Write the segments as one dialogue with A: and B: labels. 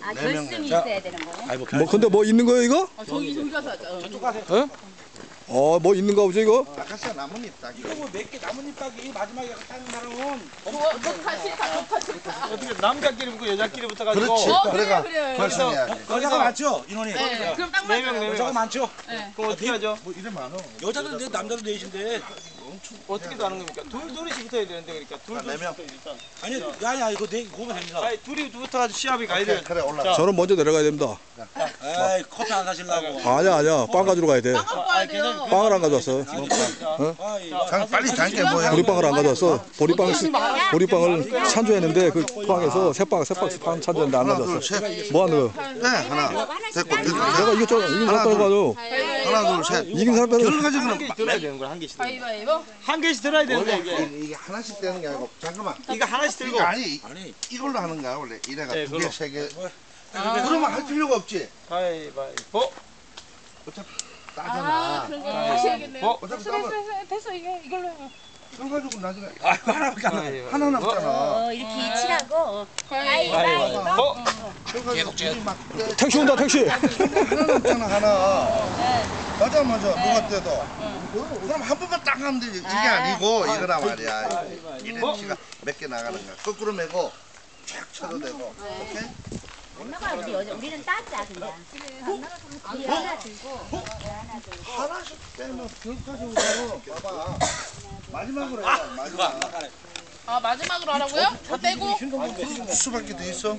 A: 아, 결승이 있어야 되는 거네.
B: 뭐 근데 뭐 있는 거예요 이거?
C: 저기 가서 하자.
D: 저쪽 가세요.
B: 예? 뭐 있는가 보죠 이거?
E: 아카시아 나뭇잎 따기.
D: 이거 뭐 몇 개 나뭇잎 따기 마지막에 따는 사람은
C: 좋다 싫다.
F: 어떻게 남자끼리 붙고 여자끼리 붙어가지고.
E: 그렇지. 그래가
C: 그래요.
E: 결승해야 돼.
D: 여자가 많죠 인원이.
C: 네. 그럼 딱
F: 네 명,
C: 맞아요.
F: 네 명.
D: 여자가 많죠.
F: 그럼 어떻게 하죠?
E: 뭐 이래 많어.
D: 여자도 네 남자도 넷인데.
F: 어떻게 하는 겁니까? 둘씩 붙어야 되는데 그러니까 둘
E: 네 명.
F: 붙어야 일단.
D: 아니 이거 네 그거면 됩니다.
F: 아니 둘이 붙어가지고 시합이 가야
E: 그래,
F: 돼.
E: 그래 올라가.
B: 저는 먼저 내려가야 됩니다.
D: 에이 커피 안 사실라고.
B: 아니야 빵 가지러 가야 돼.
C: 빵 갖고 와야 돼요.
B: 빵을 안 가져왔어.
E: 장 빨리 장게 뭐야.
B: 보리빵을 안 가져왔어. 보리빵을 찬조했는데 그 빵에서 새빵 찬조했는데 안
E: 하나 둘
B: 가져왔어.
E: 셋.
B: 뭐 하는 거야?
E: 네 하나. 됐고 됐고.
B: 내가 이겼잖아. 이긴 사람 빼고 가져.
E: 하나 둘 셋.
B: 이긴 사람 빼고.
E: 결혼 가지
F: 한
E: 그럼.
F: 개씩 들어야 되는 거야 한 개씩.
C: 가위바위보.
F: 한 개씩 들어야 되는데
E: 원래
F: 이게.
E: 이게 하나씩 되는 게 아니고 잠깐만.
F: 이거 하나씩 들고.
E: 이거 아니
D: 아니
E: 이걸로 하는 거야 원래 이래가
F: 네,
E: 두
F: 그걸로.
E: 개 세 개. 그러면 할 필요가 없지.
F: 가위바위보.
E: 따잖아.
C: 다시 해야겠네요.
E: 어차피 따면
C: 됐어 이걸로 해요.
E: 이걸 가지고 나중에
D: 아이고 하나밖에 안 나.
E: 하나 남잖아.
A: 이렇게 이치라고.
F: 가위바위보.
E: 계속 쟤.
B: 택시 온다 택시.
E: 하나 남잖아 하나. 맞아 누가 떼도. 그럼 한 번만 딱 하면 되지. 이게 아니고 이거라 말이야. 이래 치가 몇 개 나가는 거야. 거꾸로 메고 쫙 쳐도 되고. 오케이?
A: 엄마가 우리는 따자 그냥. 우리 하나 들고.
E: 하나씩 빼면 벽까지 오고 봐봐. 마지막으로 해라 마지막.
C: 아 마지막으로 하라고요? 다 떼고.
E: 수밖에 더 있어?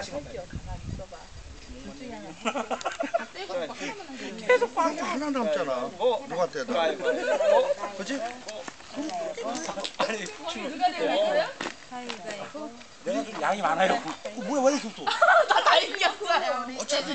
E: 계속 빵이 하나 남잖아. 누가 떼다. 그치?
C: 누가 내는 거예요?
D: 내가 좀 양이 많아요. 뭐야 왜 이렇게 또?
C: 다 이겼어요.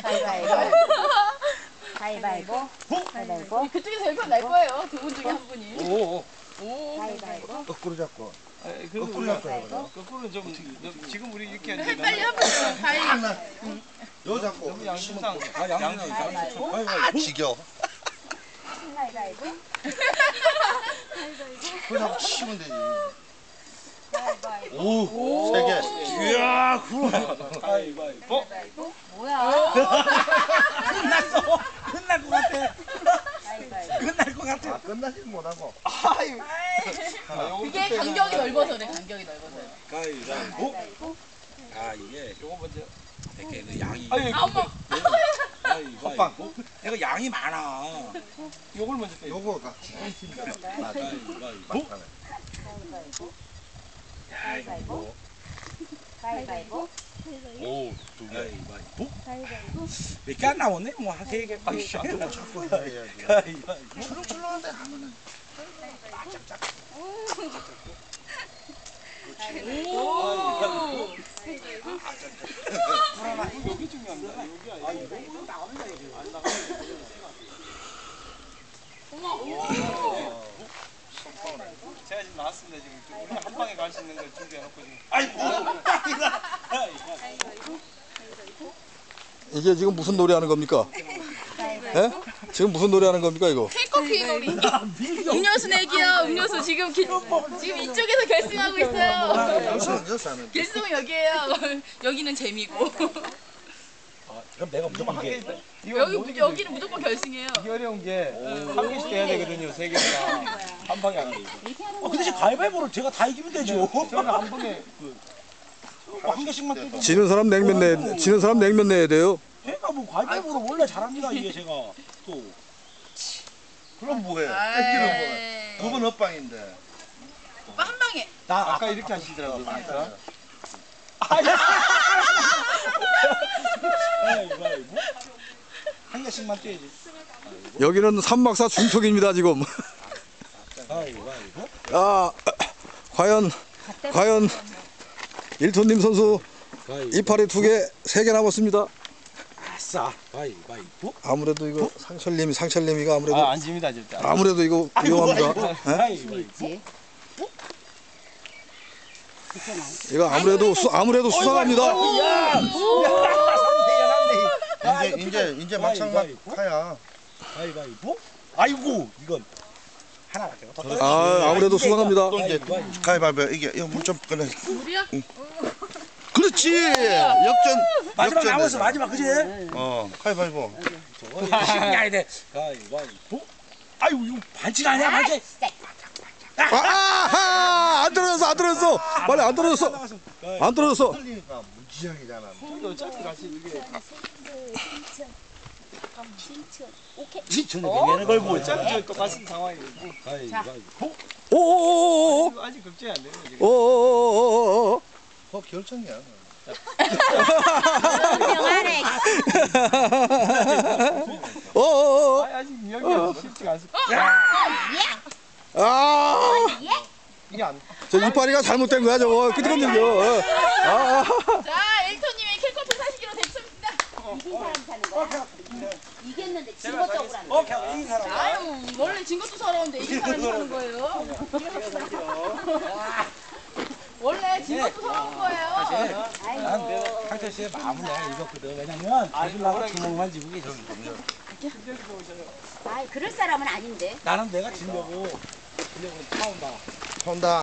A: 가위바위보. 가위바위보.
C: 그쪽에서 열표 날 거예요. 두 분 중에 한 분이.
F: 오.
A: 가위바위보.
E: 거꾸로 잡고.
F: 거꾸로 잡고. 거꾸로는 좀 지금 우리 이렇게
C: 해
F: 하는데
C: 빨리 한번 가위.
E: 하나. 요 잡고.
F: 너무 양심상.
E: 아 지겨.
A: 가위바위보.
E: 그거 잡고 치면 되지.
A: 가위바위보.
E: 오. 세 개.
D: 이야 그럼.
F: 가위바위보.
A: 뭐야?
D: 끝날 것 같아.
A: 가위바위보.
D: 끝날 것 같아.
E: 끝나진 못하고.
C: 그게 간격이 넓어서래. 간격이 넓어서요.
D: 가위바위보. 아 이게
F: 요거 먼저.
D: 이렇게 그 양이.
F: 아니
C: 아 엄마.
D: 가위바위보. 내가 양이 많아.
F: 요걸 먼저 빼.
E: 요거가.
D: 가위바위보.
A: 가위바위보. 가위바위보.
D: 오, 두 개. 가위바위보. 몇 개 안 나오네? 뭐 한 세 개. 아이씨.
E: 자꾸 해야지.
D: 가위바위보.
E: 출렁출렁한데 하면은.
C: 오.
F: 여기 중요합니다. 여기 아니 요거 나갑니다 이게. 안 나가. 제가 지금 나왔습니다 지금. 우리 한 방에 갈 수 있는 걸 준비해놓고 지금.
D: 아이고.
B: 이게 지금 무슨 노래 하는 겁니까? 예? 지금 무슨 노래 하는 겁니까 이거?
C: 케이커피 놀이. 음료수 내기요. 음료수 지금 이쪽에서 결승하고 있어요.
E: 여기서 하는.
C: 결승은 여기에요. 여기는 재미고.
D: 그럼 내가 무조건
F: 한
D: 이게.
F: 개. 이거
C: 여기는 무조건 결승이에요.
F: 이게 어려운 게 한 개씩 해야 되거든요. 세 개가 한 방에 안 돼.
D: 그 대신 가위바위보를 제가 다 이기면 되죠.
F: 저는 한 방에
D: 한 개씩만 떼도.
B: 지는 사람 냉면 내야 돼요.
D: 제가 뭐 가위바위보를 원래 잘합니다 이게 제가 또.
E: 그럼 뭐해? 뺏기는 뭐해? 그건 엇방인데.
C: 오빠 한 방에.
F: 나 아까 이렇게 하시더라고요. 진짜.
D: 가위바위보. 한 개씩만 떼야지.
B: 여기는 삼막사 중턱입니다 지금.
D: 가위바위보.
B: 아 과연 일톤님 선수 이파리 2개, 3개 남았습니다.
D: 아싸. 가위바위보.
B: 아무래도 이거 상철님이가 아무래도
F: 안 집니다 절대.
B: 아무래도 이거 위험합니다. 예?
D: 가위바위보.
B: 이거 아무래도 수상합니다.
E: 이제 막상 막 파야.
D: 가위바위보. 아이고 이건 하나밖에 없어.
B: 아무래도 수상합니다.
E: 또 이제 가위바위보 이게 이거 물 좀 꺼내.
C: 물이야?
E: 그래 그렇지. 역전.
D: 마지막
E: 역전
D: 남았어
E: 되잖아.
D: 마지막 그지?
E: 가위바위보.
D: 신기하게 돼. 가위바위보. 아유 이거 반칙 아니야 반칙.
B: 아하! 안 떨어졌어. 빨리 안 떨어졌어. 안 떨어졌어.
E: 틀리니까 무지장이잖아.
F: 어차피 같이 이게
D: 진천에 얘네 걸고
F: 어차피 똑같은 상황이고
D: 가위바위보.
B: 오오오오오.
F: 아직 걱정이 안 되네 지금.
B: 오오오오오오.
E: 결정이야.
A: 명하네.
B: 오오오오.
F: 아직 명이 쉽지가 않습니다.
B: 아!
F: 이게 안
B: 저 이파리가 잘못된 거야 저거. 끄덕거리는 거. 아.
C: 자, 엘토님의 킬커트 사시기로 됐습니다.
A: 이긴 사람 사는 거야. 이겼는데 진 것도 억울한 거.
D: 오케이 이 사람.
C: 아유, 원래 진 것도 서러운데 이긴 사람이 사는 거예요. 원래 진 것도 서러운 거예요.
A: 아이고.
D: 하여튼 씨의 마음은 내가 읽었거든. 왜냐면 가질라고 주먹만 쥐고 계셨어.
A: 아이 그럴 사람은 아닌데.
D: 나는 내가 지려고 처음 봐.
E: 혼다.